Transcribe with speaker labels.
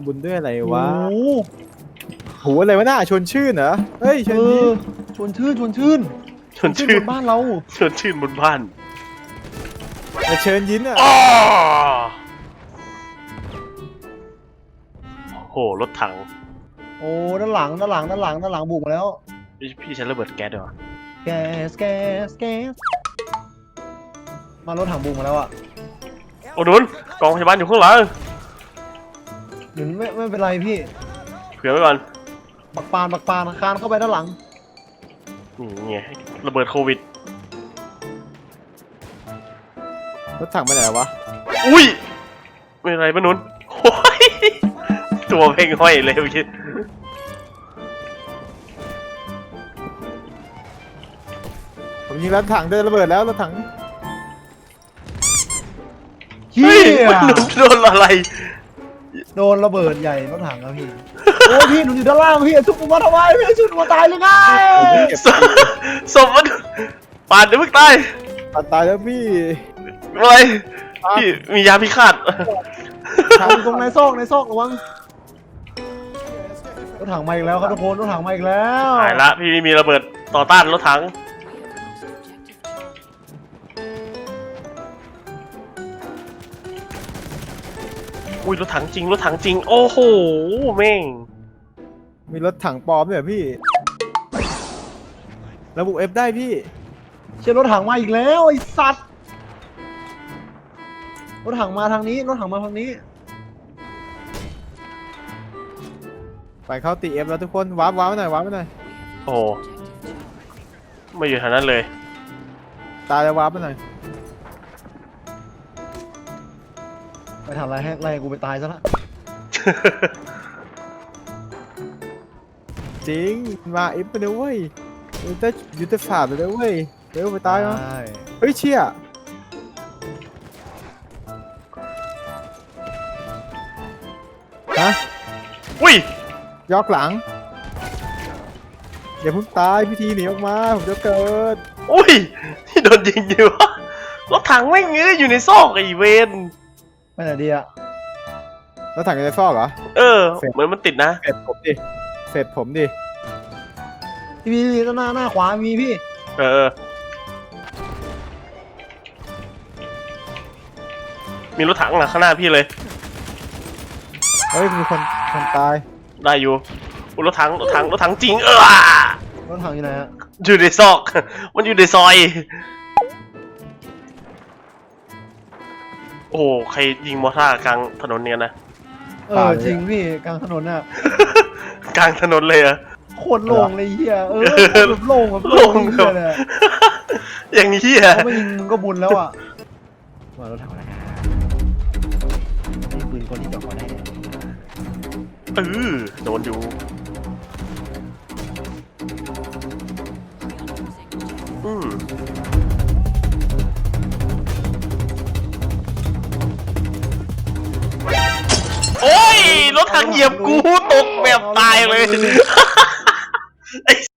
Speaker 1: บุญด้วยอะไร
Speaker 2: โอ้
Speaker 1: วะ
Speaker 2: โห
Speaker 1: โหอะไรวะน่าชวนชื่นเหรอเฮ้ยชวนยิ้ม
Speaker 2: ชวนชื่นชวนชื่น
Speaker 3: ชวนชื่น
Speaker 2: บนบ้านเรา
Speaker 3: ชวนชื่นบนบ้าน
Speaker 1: แต่เชิญยิ้มอ่ะ
Speaker 3: อ้อโหรถถัง
Speaker 2: โอ้ด้านหลังบุกมาแล้ว
Speaker 3: พี่ใช้ระเบิดแก๊สด้วยวะ
Speaker 2: แกสมารถถังบุกมาแล้วอ่ะ
Speaker 3: โอ้นุนกองพยาบาลอยู่ข้างหลัง
Speaker 2: เดี๋ยวไม่เป็นไรพี่
Speaker 3: เผื่อไว้ก่อน
Speaker 2: ปักปานคานเข้าไปด้านหลัง
Speaker 3: นี่ไงระเบิดโควิด
Speaker 1: รถถังไปไหนวะ
Speaker 3: อุ้ยไม่เป็นไรปะนุนโอ้ยตัวเพ่งห้อยเลยเมื่อกี้
Speaker 1: ผมยิงรถถังเดินระเบิดแล้วรถถัง
Speaker 2: เฮี
Speaker 3: เฮ้ย
Speaker 2: ย
Speaker 3: มันโดนอะไร
Speaker 2: โดนระเบิดใหญ่รถถังแล้วพี่ โอ้ยพี่หนูอยู่ด้านล่างพี่ชุบผมมาทำไมพี่ชุบผมมาตายเลยไง
Speaker 1: เก็บ
Speaker 3: ศพมันปาดเดี๋ยวมึงตาย
Speaker 1: ตายแล้วพี่
Speaker 3: อะไรพี่มียาพิฆาต
Speaker 2: ถังอยู่ตรงในซอกระวังรถถังมาอีกแล้วครับทุกคนรถถังมาอีกแล้ว
Speaker 3: หายละพี่มีระเบิดต่อต้านรถถังอุ้ยรถถังจริงรถถังจริงโอ้โหแม่ง
Speaker 1: มีรถถังปลอมด้วยเหรอพี่ระบุเอฟได้พี่
Speaker 2: เชื่อรถถังมาอีกแล้วไอ้สัตว์รถถังมาทางนี้
Speaker 1: ไปเข้าตีเอฟแล้วทุกคนว้าร์ปมาหน่อยว้าร์ปมาหน่อย
Speaker 3: โอ้ไม่อยู่แถวนั้นเลย
Speaker 1: ตายแล้วว้าร์ปมาหน่อย
Speaker 2: ไปทำอะไรให้ไล่กูไปตายซะละ
Speaker 1: จริงมาเอฟไปเลยเว้ยยูเตฝ่าไปเลยเว้ยเร็วไปตายเนาะ
Speaker 2: ใช่
Speaker 1: เฮ้ยเชี่ยฮะ
Speaker 3: อุ้ย
Speaker 1: ยอกหลังอย่าเพิ่งตายพิธีหนีออกมาผมจะเกิด
Speaker 3: อุ้ยที่โดนยิงอยู่วะรถถังแม่งเงยอยู่ในซอกไอ้เวน
Speaker 2: ไปไหนดีอะ
Speaker 1: แล้วถังจะฟอกเหรอ
Speaker 3: เออเหมือนมันติดนะ
Speaker 1: เสร็จผมดิเสร็จผมดิ
Speaker 2: พี่หน้าขวามีพี่
Speaker 3: เออ มีรถถังหลังข้างหน้าพี่เลย
Speaker 1: เฮ้ยมีคนตาย
Speaker 3: ได้อยู่อุ๊ยรถถังจริง
Speaker 2: รถถังอยู่ไหนอะ
Speaker 3: อยู่ในซอก มันอยู่ในซอย โอ้โหใครยิงมอร์ท่าร์กลางถนนเนี่ยนะ
Speaker 2: จริงพี่กลางถนนน่ะ
Speaker 3: กลางถนนเลยเหรอะ
Speaker 2: โคตรโล่งเลยเฮียแบบโล่งแบบโล่งเฮียเลยอะ
Speaker 3: อย่างนี้อะ
Speaker 2: เขาไม่ยิงมึงก็บุญแล้วอะมารถถังอะไรนี่ปืนคนที่จอดก่อนได้
Speaker 3: โดนอยู่อืมโอ้ยรถถังเหยียบกูตกแบบตายเลย